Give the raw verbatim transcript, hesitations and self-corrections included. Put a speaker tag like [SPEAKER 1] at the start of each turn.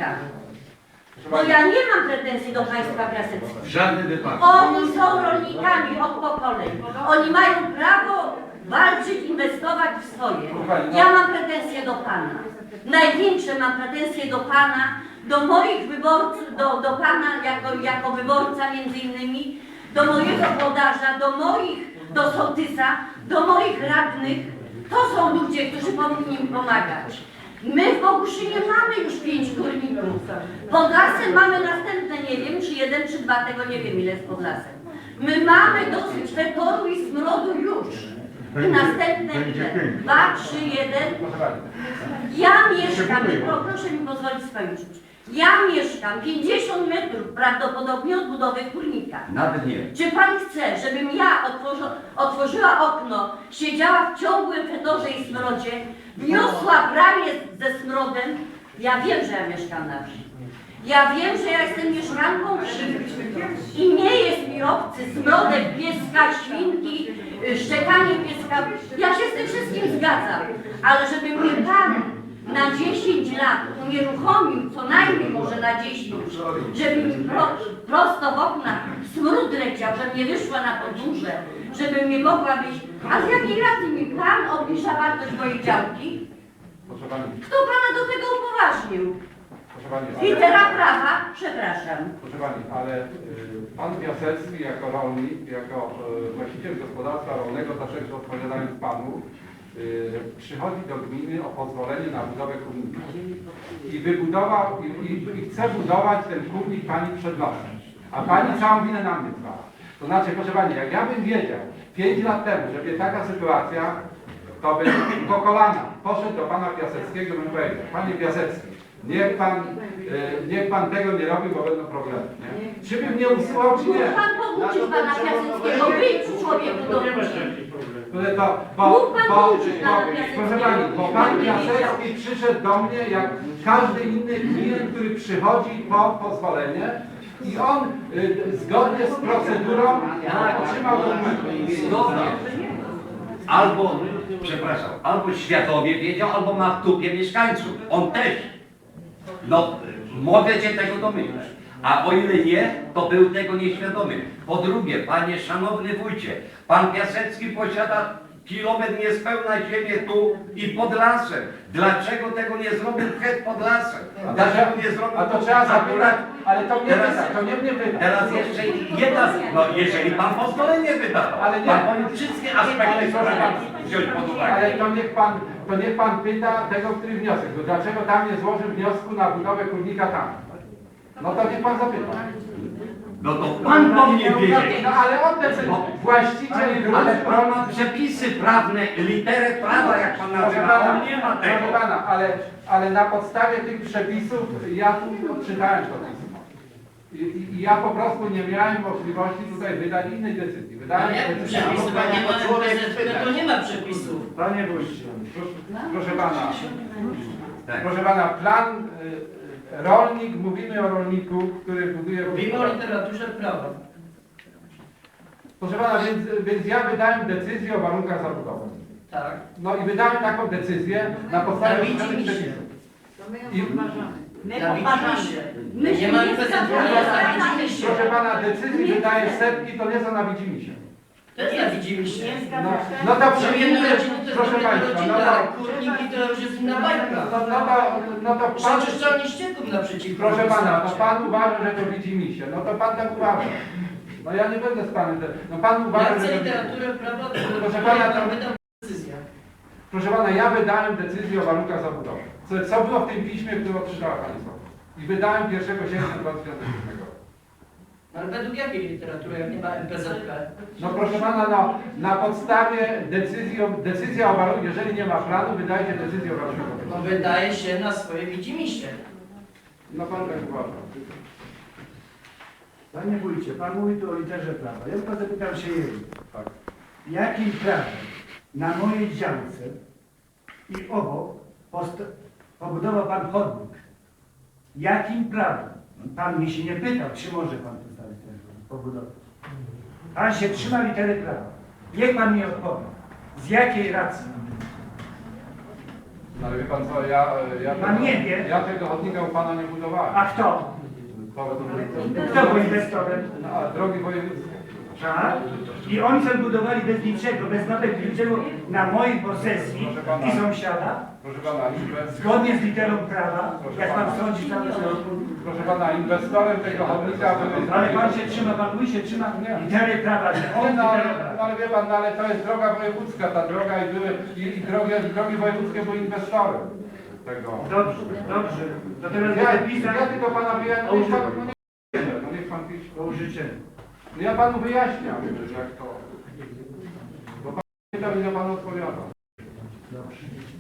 [SPEAKER 1] rolnikami. Bo ja nie mam pretensji do państwa Piaseckiego.
[SPEAKER 2] W żadnym wypadku.
[SPEAKER 1] Oni są rolnikami od pokoleń. Oni mają prawo walczyć, inwestować w swoje. Ja mam pretensje do pana. Największe mam pretensje do pana, do moich wyborców, do, do pana jako, jako wyborca między innymi, do mojego włodarza, do moich, do sołtysa, do moich radnych. To są ludzie, którzy powinni mi pomagać. My w Boguszynie mamy już pięć górników. Pod lasem mamy następne, nie wiem, czy jeden, czy dwa, tego nie wiem ile jest pod lasem. My mamy dosyć fetoru i smrodu już. I następne ile? Dwa, trzy, jeden. Ja mieszkam, pro, proszę mi pozwolić skończyć. Ja mieszkam pięćdziesiąt metrów prawdopodobnie od budowy kurnika.
[SPEAKER 2] Nawet nie.
[SPEAKER 1] Czy pan chce, żebym ja otworzy, otworzyła okno, siedziała w ciągłym fedorze i smrodzie, wniosła bramię ze smrodem? Ja wiem, że ja mieszkam na wsi. Ja wiem, że ja jestem mieszkanką wsi. I nie jest mi obcy smrodek pieska, świnki, szczekanie pieska. Ja się z tym wszystkim zgadzam. Ale żeby mnie pan na dziesięć lat unieruchomił, co najmniej może na dziesięć, żeby mi pro, prosto w oknach smród leciał, żebym nie wyszła na podwórze, żebym nie mogła być. A z jakiej racji mi pan obniża wartość mojej działki?
[SPEAKER 3] Proszę pani,
[SPEAKER 1] Kto pana do tego upoważnił?
[SPEAKER 3] proszę pani, ale,
[SPEAKER 1] Litera prawa, przepraszam.
[SPEAKER 3] proszę pani, ale y, pan Piasecki jako rolnik, jako y, właściciel gospodarstwa rolnego, zawsze odpowiadając panu, y, przychodzi do gminy o pozwolenie na budowę kurnika. I wybudował, i, i, i chce budować ten kurnik pani przed nosem. A pani całą winę na mnie zwala. To znaczy, proszę pani, jak ja bym wiedział pięć lat temu, że będzie taka sytuacja, to bym po kolana poszedł do pana Piaseckiego i bym powiedział: panie Piasecki, niech pan, e, niech pan tego nie robi, bo będą problemy. Nie? Czy bym nie usuwał, czy nie?
[SPEAKER 1] Mógł pan pouczyć pana Piaseckiego być człowieku do ludzi.
[SPEAKER 3] Ale to, bo,
[SPEAKER 1] Mógł pan
[SPEAKER 3] bo,
[SPEAKER 1] pouczyć
[SPEAKER 3] bo,
[SPEAKER 1] pana Piaseckiego.
[SPEAKER 3] proszę pani, bo pan Piasecki przyszedł do mnie jak każdy inny klient, który przychodzi po pozwolenie i on y, zgodnie z procedurą otrzymał dokumenty.
[SPEAKER 2] Zgodnie. Albo, przepraszam, albo świadomie wiedział, albo ma w dupie mieszkańców. On też. No, mogę cię tego domyśleć. A o ile nie, to był tego nieświadomy. Po drugie, panie szanowny wójcie, pan Piasecki posiada kilometr niespełna ziemię tu i pod lasem. Dlaczego tego nie zrobił przed pod lasem? Dlaczego nie zrobił?
[SPEAKER 3] A to trzeba zapytać, ale to mnie
[SPEAKER 2] Teraz-
[SPEAKER 3] pyta, to nie mnie pyta.
[SPEAKER 2] Teraz jeszcze jedna, no jeżeli pan pozwolenie wydawał,
[SPEAKER 3] Ale nie.
[SPEAKER 2] pan powinien wszystkie aspekty sprawy wziąć pod
[SPEAKER 3] Ale
[SPEAKER 2] uwagę.
[SPEAKER 3] to niech pan, to niech pan pyta tego, który wniosek, bo dlaczego tam nie złożył wniosku na budowę kurnika tam? No to niech pan zapyta.
[SPEAKER 2] No to pan powinien wiedzieć.
[SPEAKER 3] No ale on decyduje, właściciel grunt,
[SPEAKER 2] Ale pan ma przepisy prawne, literę prawa, jak pan
[SPEAKER 3] proszę
[SPEAKER 2] nazywa,
[SPEAKER 3] pana,
[SPEAKER 2] on nie ma
[SPEAKER 3] proszę
[SPEAKER 2] tego.
[SPEAKER 3] pana, ale, ale na podstawie tych przepisów ja tu odczytałem to pismo. I, i, I ja po prostu nie miałem możliwości tutaj wydać innej decyzji. Wydałem
[SPEAKER 4] Ale jak
[SPEAKER 3] decyzję.
[SPEAKER 4] przepisy, panie ma M P Z, to nie ma przepisów.
[SPEAKER 3] Panie wójcie, proszę, proszę pana,
[SPEAKER 2] Tak.
[SPEAKER 3] proszę pana, plan y, rolnik, mówimy o rolniku, który buduje...
[SPEAKER 4] Mówimy o literaturze prawa.
[SPEAKER 3] Proszę pana, więc, więc ja wydałem decyzję o warunkach zabudowy.
[SPEAKER 4] Tak.
[SPEAKER 3] No i wydałem taką decyzję na podstawie
[SPEAKER 4] Zawidzi
[SPEAKER 3] określonych
[SPEAKER 4] mi się.
[SPEAKER 3] przepisów.
[SPEAKER 1] My
[SPEAKER 3] I,
[SPEAKER 1] poważamy. My
[SPEAKER 4] Nie
[SPEAKER 1] się
[SPEAKER 4] ma
[SPEAKER 1] nie
[SPEAKER 4] M P Z,
[SPEAKER 1] zgadzamy.
[SPEAKER 4] nie zawidzimy się.
[SPEAKER 3] proszę pana, decyzji wydaje setki, to nie są na widzimisię.
[SPEAKER 4] To jest na widzimy się.
[SPEAKER 3] No, no to
[SPEAKER 4] Są
[SPEAKER 3] przyjmijmy,
[SPEAKER 4] jednorodziny, to jest
[SPEAKER 3] proszę
[SPEAKER 4] dopiero
[SPEAKER 3] państwa, no
[SPEAKER 4] rodzina,
[SPEAKER 3] to,
[SPEAKER 4] kurniki to już jest inna bajka.
[SPEAKER 3] no, no to, no to pan,
[SPEAKER 4] Przeczyszczalnie ścieków naprzeciwko.
[SPEAKER 3] proszę pana, no
[SPEAKER 4] wystarczy.
[SPEAKER 3] pan uważa, że to widzimisię, no to pan tak uważa. No ja nie będę z panem, te- no pan uważa,
[SPEAKER 4] Ja
[SPEAKER 3] że
[SPEAKER 4] chcę
[SPEAKER 3] to...
[SPEAKER 4] literaturę prawa, to
[SPEAKER 3] Proszę pana, to-
[SPEAKER 4] tam wydam decyzję.
[SPEAKER 3] Proszę pana, ja wydałem decyzję o warunkach zabudowy. Co, co było w tym piśmie, które odczytała pani Słowa? I wydałem pierwszego sierpnia dwa tysiące siódmego roku.
[SPEAKER 4] Ale według jakiej literatury, jak nie ma M P Z P?
[SPEAKER 3] No proszę pana, no, na podstawie decyzji, o- decyzja o warunkach, jeżeli nie ma planu, wydaje się decyzję o warunkach
[SPEAKER 4] No
[SPEAKER 3] zabudowy.
[SPEAKER 4] wydaje się na swoje widzimisię.
[SPEAKER 3] No pan tak uważa.
[SPEAKER 5] Panie wójcie, pan mówi tu o literze prawa. Ja tylko zapytam się jej,
[SPEAKER 3] Tak.
[SPEAKER 5] jakim prawem na mojej działce i obok posta- pobudował pan chodnik? Jakim prawem? Pan mnie się nie pytał, czy może pan postawić ten chodnik, pobudować. Pan się trzyma litery prawa. Niech pan mi odpowie. Z jakiej racji?
[SPEAKER 3] Ale wie pan co, ja, ja,
[SPEAKER 5] Pan nie wie.
[SPEAKER 3] ja tego chodnika u pana nie budowałem.
[SPEAKER 5] A kto? Kto był inwestorem?
[SPEAKER 3] No, a drogi wojewódzkie.
[SPEAKER 5] Tak? I oni sobie budowali bez niczego, bez mapek, niczego na mojej posesji i sąsiada,
[SPEAKER 3] Proszę pana, inwest...
[SPEAKER 5] zgodnie z literą prawa, jak pan sądzi cały czas.
[SPEAKER 3] Proszę pana, inwestorem tego chodnika były...
[SPEAKER 5] Ale pan się trzyma, pan mój się trzyma litery prawa, nie
[SPEAKER 3] Nie,
[SPEAKER 5] on
[SPEAKER 3] no, ale,
[SPEAKER 5] literę
[SPEAKER 3] no,
[SPEAKER 5] prawa.
[SPEAKER 3] ale wie pan, no, ale to jest droga wojewódzka, ta droga i były, i, i drogi, drogi wojewódzkie były inwestorem tego.
[SPEAKER 5] Dobrze, dobrze. To teraz
[SPEAKER 3] Ja,
[SPEAKER 5] będę pisał
[SPEAKER 3] ja tylko pana wyjaśniam,
[SPEAKER 5] o
[SPEAKER 3] niech pan,
[SPEAKER 5] użyczeniu.
[SPEAKER 3] no nie, no niech pan pisze.
[SPEAKER 5] o użyczeniu.
[SPEAKER 3] No ja panu wyjaśniam, jak to. Bo pan pytał i ja panu odpowiadam.
[SPEAKER 5] Dobrze.